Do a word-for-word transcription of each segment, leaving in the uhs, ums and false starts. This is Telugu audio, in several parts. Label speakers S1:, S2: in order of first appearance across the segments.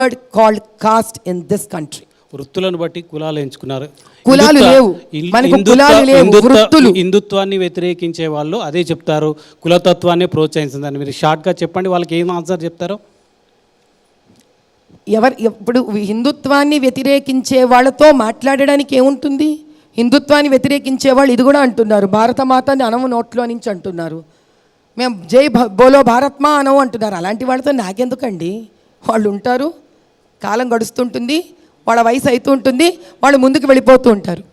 S1: word called caste in this country.
S2: వృత్తులను బట్టి కులాలు ఎంచుకున్నారు.
S1: కులాలు లేవు, మనకు కులాలు లేవు, వృత్తులు.
S2: హిందుత్వాన్ని వ్యతిరేకించే వాళ్ళు అదే చెప్తారు, కులతత్వాన్ని ప్రోత్సహించిందని. మీరు షార్ట్గా చెప్పండి, వాళ్ళకి ఏం ఆన్సర్ చెప్తారో.
S1: ఎవరు ఇప్పుడు హిందుత్వాన్ని వ్యతిరేకించే వాళ్ళతో మాట్లాడడానికి ఏముంటుంది? హిందుత్వాన్ని వ్యతిరేకించే వాళ్ళు ఇది కూడా అంటున్నారు, భారతమాతని అనవు నోట్లో నుంచి అంటున్నారు, మేము జై బోలో భారత్మా అనవు అంటున్నారు. అలాంటి వాళ్ళతో నాకెందుకండి? వాళ్ళు ఉంటారు, కాలం గడుస్తుంటుంది, వాళ్ళ వయసు అవుతూ ఉంటుంది, వాళ్ళు ముందుకు వెళ్ళిపోతూ ఉంటారు.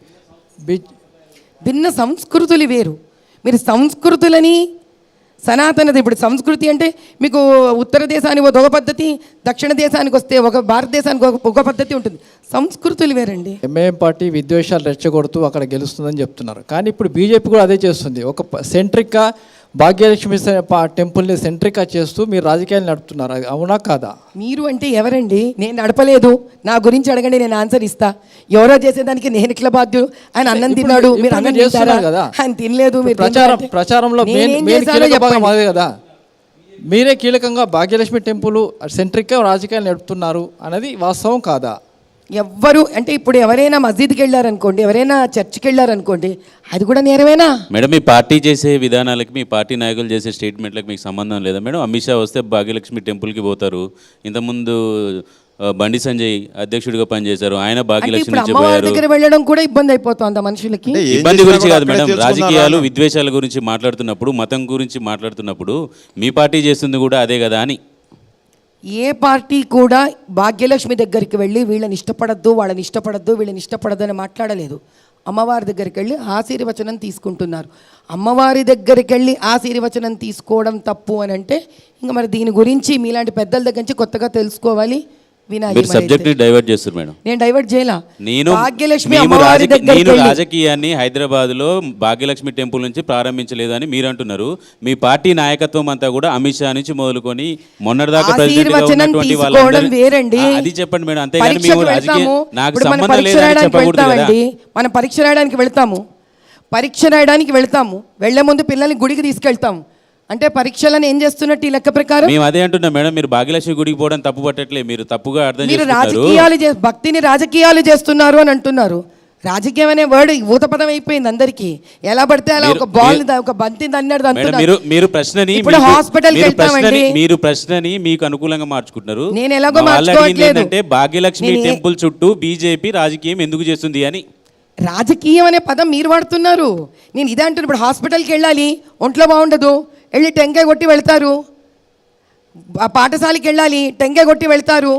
S1: భిన్న సంస్కృతులు వేరు. మీరు సంస్కృతులని సనాతనది, ఇప్పుడు సంస్కృతి అంటే మీకు ఉత్తర దేశానికి ఒక పద్ధతి, దక్షిణ దేశానికి వస్తే ఒక భారతదేశానికి ఒక ఒక పద్ధతి ఉంటుంది. సంస్కృతులు వేరండి.
S3: ఎంఐఎం పార్టీ విద్వేషాలు రెచ్చగొడుతూ అక్కడ గెలుస్తుందని చెప్తున్నారు, కానీ ఇప్పుడు బీజేపీ కూడా అదే చేస్తుంది. ఒక సెంట్రిక్గా భాగ్యలక్ష్మి టెంపుల్ని సెంట్రిక్గా చేస్తూ మీరు రాజకీయాలు నడుపుతున్నారు, అవునా కాదా?
S1: మీరు అంటే ఎవరండి? నేను నడపలేదు, నా గురించి అడగండి, నేను ఆన్సర్ ఇస్తా. ఎవరో చేసేదానికి నేను ఇట్లా బాధ్యుడు? ఆయన అన్నం తిన్నాడు, మీరు అన్నం చేస్తున్నారు కదా, ఆయన తినలేదు. మీరు
S3: ప్రచారం ప్రచారంలో కదా, మీరే కీలకంగా భాగ్యలక్ష్మి టెంపుల్ సెంట్రిక్గా రాజకీయాలు నడుపుతున్నారు అనేది వాస్తవం కాదా?
S1: ఎవ్వరు అంటే ఇప్పుడు ఎవరైనా మస్జిద్కి వెళ్ళారనుకోండి, ఎవరైనా చర్చికి వెళ్ళారనుకోండి, అది కూడా నేరమేనా?
S4: మేడం, మీ పార్టీ చేసే విధానాలకి, మీ పార్టీ నాయకులు చేసే స్టేట్మెంట్లకు మీకు సంబంధం లేదా మేడం? అమిత్ షా వస్తే భాగ్యలక్ష్మి టెంపుల్కి పోతారు, ఇంతకుముందు బండి సంజయ్ అధ్యక్షుడిగా పనిచేశారు, ఆయన భాగ్యలక్ష్మి నుంచి పోయారు.
S1: దగ్గర వెళ్ళడం కూడా ఇబ్బంది అయిపోతుంది మనుషులకి.
S4: ఇబ్బంది గురించి కాదు మేడం, రాజకీయాలు విద్వేషాల గురించి మాట్లాడుతున్నప్పుడు, మతం గురించి మాట్లాడుతున్నప్పుడు మీ పార్టీ చేస్తుంది కూడా అదే కదా అని.
S1: ఏ పార్టీ కూడా భాగ్యలక్ష్మి దగ్గరికి వెళ్ళి వీళ్ళని ఇష్టపడద్దు, వాళ్ళని ఇష్టపడద్దు, వీళ్ళని ఇష్టపడద్దు అని మాట్లాడలేదు. అమ్మవారి దగ్గరికి వెళ్ళి ఆశీర్వచనం తీసుకుంటున్నారు. అమ్మవారి దగ్గరికి వెళ్ళి ఆశీర్వచనం తీసుకోవడం తప్పు అని అంటే ఇంకా మరి దీని గురించి మీలాంటి పెద్దల దగ్గర నుంచి కొత్తగా తెలుసుకోవాలి, వినాలి.
S4: డైవర్ట్ చేస్తారు మేడం.
S1: నేను డైవర్ట్ చేయలా.
S4: నేను
S1: భాగ్యలక్ష్మి
S4: నేను రాజకీయాన్ని హైదరాబాద్ లో భాగ్యలక్ష్మి టెంపుల్ నుంచి ప్రారంభించలేదని మీరు అంటున్నారు. మీ పార్టీ నాయకత్వం అంతా కూడా అమిత్ షా నుంచి మొదలుకొని మొన్నటిదాకా
S1: వేరండి.
S4: అది చెప్పండి మేడం, అంతేగాని మేము రాజకీయ నాకు సంబంధం లేదని చెప్పకూడదు కదా.
S1: మనం పరీక్ష రాయడానికి వెళ్తాము, పరీక్ష రాయడానికి వెళ్తాము, వెళ్లే ముందు పిల్లల్ని గుడికి తీసుకెళ్తాము అంటే పరీక్షలను ఏం చేస్తున్నట్టు ఈ లెక్క ప్రకారం?
S4: మేము అదే అంటున్నాం మేడం, మీరు భాగ్యలక్ష్మి గుడికి పోవడం తప్పు పట్టట్లే, మీరు తప్పుగా అర్థం
S1: మీరు రాజకీయాలు భక్తిని రాజకీయాలు చేస్తున్నారు అని అంటున్నారు. రాజకీయం అనే వర్డ్ ఊత పదం అయిపోయింది అందరికి. ఎలా పడితే అలా ఒక బాల్ ఒక బంతి అన్నాడు
S4: అంటున్నారు. మీరు ప్రశ్నని
S1: ఇప్పుడు హాస్పిటల్కి వెళ్తామండి,
S4: మీరు ప్రశ్నని మీకు అనుకూలంగా మార్చుకుంటున్నారు.
S1: నేను ఎలాగో మార్చుకోవట్లేదు.
S4: అంటే భాగ్యలక్ష్మి టెంపుల్ చుట్టూ బీజేపీ రాజకీయం ఎందుకు చేస్తుంది అని.
S1: రాజకీయం అనే పదం మీరు వాడుతున్నారు, నేను ఇదే అంటున్నాను. ఇప్పుడు హాస్పిటల్కి వెళ్ళాలి, ఒంట్లో బాగుండదు, వెళ్ళి టెంకాయ కొట్టి వెళ్తారు. పాఠశాలకి వెళ్ళాలి, టెంకాయ కొట్టి వెళ్తారు.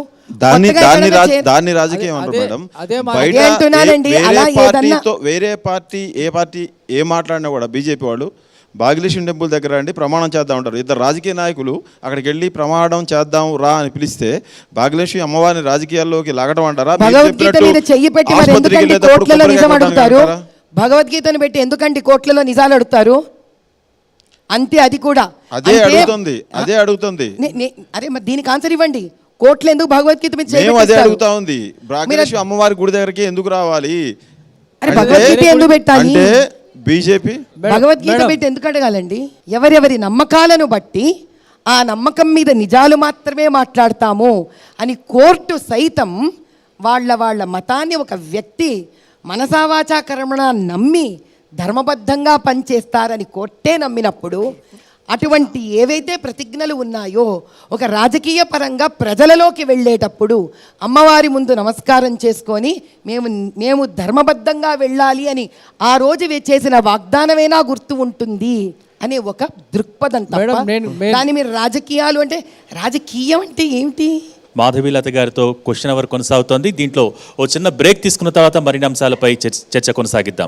S5: వేరే పార్టీ ఏ పార్టీ ఏ మాట్లాడినా కూడా బీజేపీ వాళ్ళు భాగ్యలక్ష్మి టెంపుల్ దగ్గర అండి ప్రమాణం చేద్దాం ఉంటారు. ఇద్దరు రాజకీయ నాయకులు అక్కడికి వెళ్ళి ప్రమాణం చేద్దాం రా అని పిలిస్తే భాగ్యలక్ష్మి అమ్మవారిని రాజకీయాల్లోకి లాగడం అంటారా?
S1: భగవద్గీతను పెట్టి ఎందుకండి కోట్లలో నిజాలు అడుగుతారు? అంతే, అది కూడా
S5: అదే అడుగుతుంది అదే అడుగుతుంది
S1: అరే మరి దీనికి ఆన్సర్ ఇవ్వండి. కోట్లు ఎందుకు భగవద్గీత మీద
S5: అదే అడుగుతా ఉంది. భాగ్యలక్ష్మి అమ్మవారి గుడి దగ్గరికి ఎందుకు రావాలి?
S1: అరే భగవద్గీత ఎందుకు పెట్టాలి?
S5: బీజేపీ
S1: భగవద్గీత పెట్టి ఎందుకు అడగాలండి? ఎవరెవరి నమ్మకాలను బట్టి ఆ నమ్మకం మీద నిజాలు మాత్రమే మాట్లాడతాము అని కోర్టు సైతం వాళ్ళ వాళ్ళ మతాన్ని ఒక వ్యక్తి మనసావాచా కర్మణ నమ్మి ధర్మబద్ధంగా పనిచేస్తారని కోర్టే నమ్మినప్పుడు అటువంటి ఏవైతే ప్రతిజ్ఞలు ఉన్నాయో ఒక రాజకీయ పరంగా ప్రజలలోకి వెళ్ళేటప్పుడు అమ్మవారి ముందు నమస్కారం చేసుకొని మేము మేము ధర్మబద్ధంగా వెళ్ళాలి అని ఆ రోజు చేసిన వాగ్దానమైనా గుర్తు ఉంటుంది అనే ఒక దృక్పథం తప్ప దాన్ని మీరు రాజకీయాలు అంటే రాజకీయం అంటే ఏమిటి?
S6: మాధవీలత గారితో క్వశ్చన్ అవర్ కొనసాగుతోంది. దీంట్లో ఓ చిన్న బ్రేక్ తీసుకున్న తర్వాత మరిన్ని అంశాలపై చర్చ కొనసాగిద్దాం.